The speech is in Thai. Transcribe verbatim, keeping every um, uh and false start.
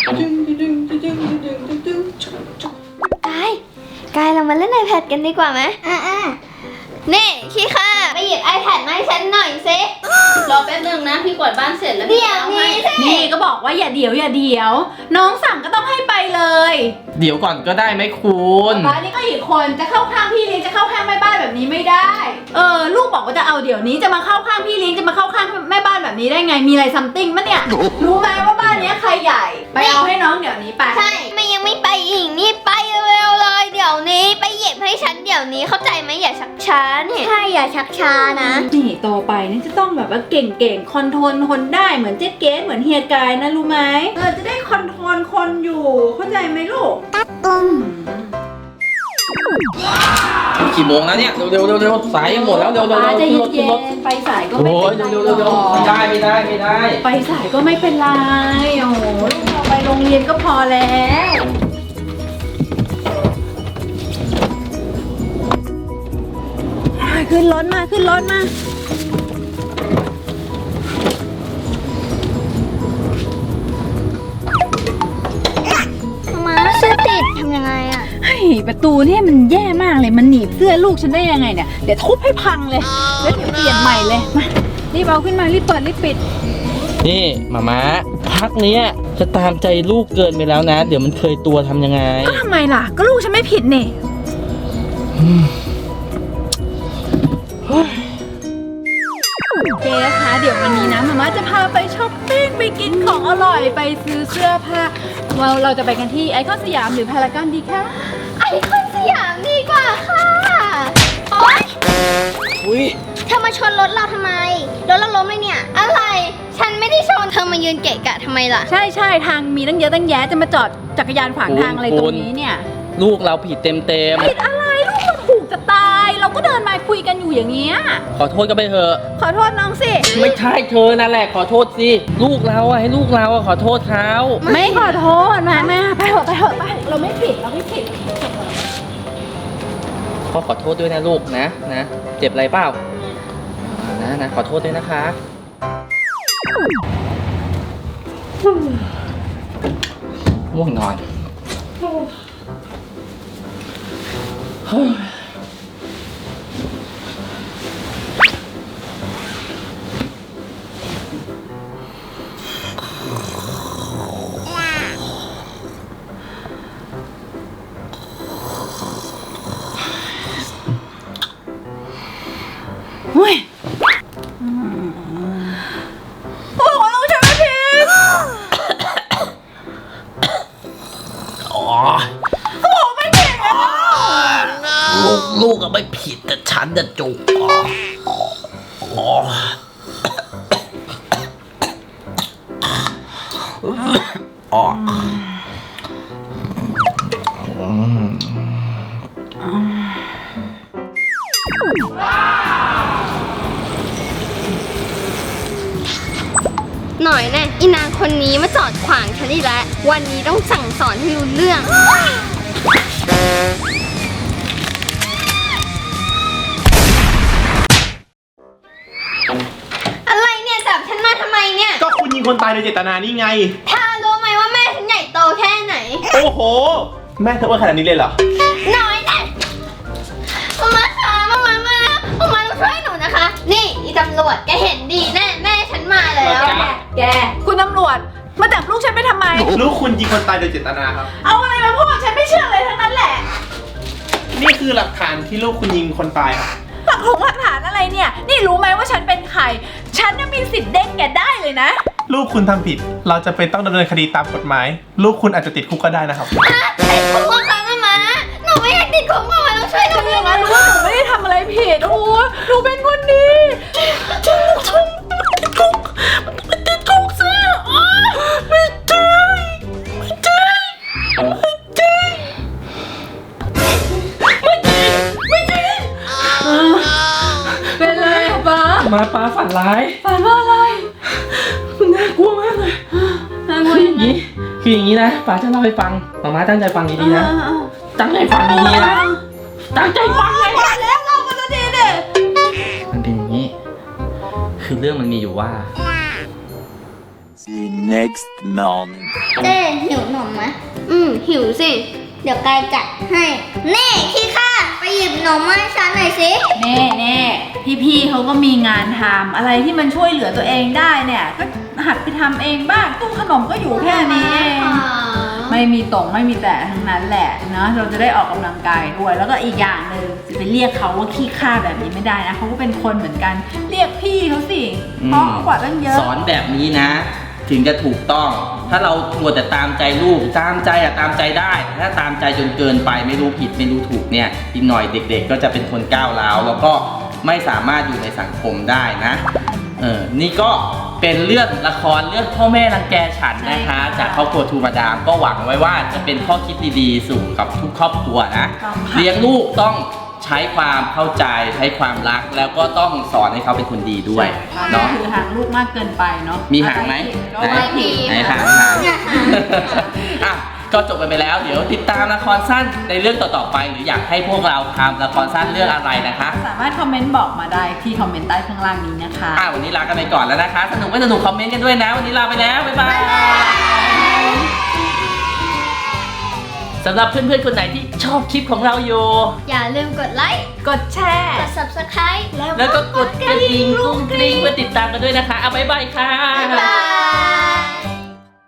กายกายเรามาเล่น iPad กันดีกว่าไหมอ่าอ่านี่ขี้ข้าไปหยิบ iPad มาให้ฉันหน่อยสิรอแป๊บนึงนะพี่กวาดบ้านเสร็จแล้วเดี๋ยวนี้สินี่ก็บอกว่าอย่าเดี๋ยวอย่าเดี๋ยวน้องสั่งก็ต้องให้ไปเลยเดี๋ยวก่อนก็ได้ไหมคุณป้านี่ก็อีกคนจะเข้าข้างพี่เลี้ยงจะเข้าข้างแม่บ้านแบบนี้ไม่ได้เออลูกบอกว่าจะเอาเดี๋ยวนี้จะมาเข้าข้างพี่เลี้ยงจะมาเข้าข้างแม่บ้านแบบนี้ได้ไงมีอะไรซัมติงมั้ยเนี่ยรู้ไหมว่าบ้านนี้ใครใหญ่ไปเอาให้น้องเดี๋ยวนี้ไปใช่ไม่ยังไม่ไปอีกนี่ไปเร็วๆเลยเดี๋ยวนี้ไปหยิบให้ฉันเดี๋ยวนี้เข้าใจไหมอย่าชักช้าเนี่ยใช่อย่าชักช้านะนี่โตไปนี่จะต้องแบบว่าเก่งๆคอนโทรลคนได้เหมือนเจ๊เกสเหมือนเฮียกายนะรู้ไหมเออจะได้คอนโทรลคนอยู่เข้าใจไหมลูกตัดตุ้มกี่โมงแล้วเนี่ยเร็วๆเร็วๆสายยังหมดแล้วเร็วๆเร็วๆจะเย็นๆไปสายก็ไม่เป็นไรเร็วๆเร็วๆไม่ได้ไม่ได้ไม่ได้ไปสายก็ไม่เป็นไรโอ้โหลูกเราไปโรงเรียนก็พอแล้วขึ้นรถมาขึ้นรถมามาเสื้อติดทำยังไงอ่ะเฮ้ยประตูเนี่ยมันแย่มากเลยมันหนีบเสื้อลูกฉันได้ยังไงเนี่ยเดี๋ยวทุบให้พังเลยแล้วเดี๋ยวเปลี่ยนใหม่เลยมารีบเอาขึ้นมารีบเปิดรีบปิดนี่มาม้าพักเนี้ยจะตามใจลูกเกินไปแล้วนะเดี๋ยวมันเคยตัวทำยังไงก็ทำไมล่ะก็ลูกฉันไม่ผิดนี่เจ๊คะเดี๋ยววันนี้นะมาม่าจะพาไปช้อปปิ้งไปกินของอร่อยไปซื้อเสื้อผ้าเราเราจะไปกันที่ไอคอนสยามหรือพารากอนดีคะไอคอนสยามดีกว่าค่ะโอ๊ยอุ้ยเธอมาชนรถเราทำไมรถเราล้มเลยเนี่ยอะไรฉันไม่ได้ชนเธอมายืนเกะกะทำไมล่ะใช่ใช่ทางมีตั้งเยอะตั้งแยะจะมาจอดจักรยานขวางทางอะไรตรงนี้เนี่ยลูกเราผิดเต็มเต็มผิดอะไรลูกเราถูกจะตายเราก็เดินมาคุยกันอยู่อย่างเงี้ยขอโทษก็ไปเถอะขอโทษน้องสิไม่ใช่เธอนั่นแหละขอโทษสิลูกเราอะให้ลูกเราอะขอโทษเขาไม่ขอโทษมาแม่ไปเถอะไปเถอะไปเราไม่ผิดเราไม่ผิดพ่อขอโทษด้วยนะลูกนะนะเจ็บอะไรเปล่านะนะขอโทษด้วยนะคะง่วงนอนเฮ้ยโอ้โหลูกฉันไม่ผิดโอ้ไม่ผิดลูกลูกก็ไม่ผิดแต่ฉันจะจุกอ๋ออ๋อหน่อยแน่อีนางคนนี้มาจอดขวางฉันอีกแล้ววันนี้ต้องสั่งสอนให้รู้เรื่องอะไรเนี่ยจับฉันมาทำไมเนี่ยก็คุณยิงคนตายโดยเจตนานี่ไงเธอรู้ไหมว่าแม่ฉันใหญ่โตแค่ไหนโอ้โหแม่เธอว่าขนาดนี้เลยเหรอน้อยแน่มาค่ะมามามามามาต้องช่วยหนูนะคะนี่อีตำรวจแกเห็นดีแน่แม่ฉันมาแล้วแกคุณตำรวจมาจับลูกฉันไปทำไมลูกคุณยิงคนตายโดยเจตนาครับเอาอะไรมาพูดฉันไม่เชื่อเลยทั้งนั้นแหละนี่คือหลักฐานที่ลูกคุณยิงคนตายครับหลักฐานหลักฐานอะไรเนี่ยนี่รู้ไหมว่าฉันเป็นใครฉันยังมีสิทธิ์เด้งแกได้เลยนะลูกคุณทำผิดเราจะเป็นต้องดำเนินคดีตามกฎหมายลูกคุณอาจจะติดคุกก็ได้นะครับติดคุกค่ะมาหนูไม่อยากติดคุกมาต้องช่วยหนูอย่างนั้นรู้ว่าหนูไม่ได้ทำอะไรผิดโอ้หนูเป็นคนดีติดคุกติดคุกติดคุกสิไม่ใช่ไม่ใช่ไม่ใช่ไม่จริงไม่จริงเป็นไรป้ามาป้าฝันร้ายฝันว่าอะไรน่ากลัวมากเลยน่ากลัวอย่างนี้คืออย่างนี้นะป้าจะเล่าให้ฟังมาม่าตั้งใจฟังดีๆนะตั้งใจฟังดีๆนะตั้งใจฟังเลยมาแล้วเราก็จะดีเด็ดมันเป็นอย่างนี้คือเรื่องมันมีอยู่ว่า The next morning. เจ๊หิวหนมไหมอืมหิวสิ เดี๋ยวกายจัดให้เน่ขี้ข้าไปหยิบหนมมาให้ฉันหน่อยสิแน่แน่พี่ๆเขาก็มีงานทำอะไรที่มันช่วยเหลือตัวเองได้เนี่ยก็หัดไปทำเองบ้างตู้ขนมก็อยู่แค่นี้เองไม่มีตรงไม่มีแต่ทั้งนั้นแหละเนาะเราจะได้ออกกำลังกายด้วยแล้วก็อีกอย่างหนึ่งจะไปเรียกเขาว่าขี้ข้าแบบนี้ไม่ได้นะเขาก็เป็นคนเหมือนกันเรียกพี่เขาสิเพราะกว่าตั้งเยอะสอนแบบนี้นะ ถึงจะถูกต้อง ถ้าเรามัวแต่ตามใจลูกตามใจอะตามใจได้ถ้าตามใจจนเกินไปไม่รู้ผิดไม่รู้ถูกเนี่ยอีกหน่อยเด็กๆ ก็จะเป็นคนก้าวร้าวแล้วก็ไม่สามารถอยู่ในสังคมได้นะเออนี่ก็เป็นเรื่องละครเรื่องพ่อแม่รังแกฉันนะคะ จากครอบครัวทูมาดามก็หวังไว้ว่าจะเป็นข้อคิดดีๆสู่กับทุกครอบครัวนะต้องค่ะเลี้ยงลูกต้องใช้ความเข้าใจใช้ความรักแล้วก็ต้องสอนให้เขาเป็นคนดีด้วยเนาะเนาะคือห่างลูกมากเกินไปเนาะมีหางไหมก็ไม่ผิดไหนหางหางอ่ะก็จบกันไปแล้ว เดี๋ยวติดตามละครสั้นในเรื่องต่อๆไป หรืออยากให้พวกเราทำละครสั้นเรื่องอะไรนะคะสามารถคอมเมนต์บอกมาได้ที่คอมเมนต์ใต้ข้างล่างนี้นะคะอ่ะวันนี้ลากันไปก่อนแล้วนะคะ สนุกไม่สนุกคอมเมนต์กันด้วยนะ วันนี้ลาไปแล้ว บ๊ายบายสำหรับเพื่อนๆคนไหนที่ชอบคลิปของเราอยู่อย่าลืมกดไลค์กดแชร์กด ซับสไครบ์แล้วก็กดกระดิ่งกรุ้งกริ้งเพื่อติดตามกันด้วยนะคะเอาบ๊ายบายค่ะบ๊ายบาย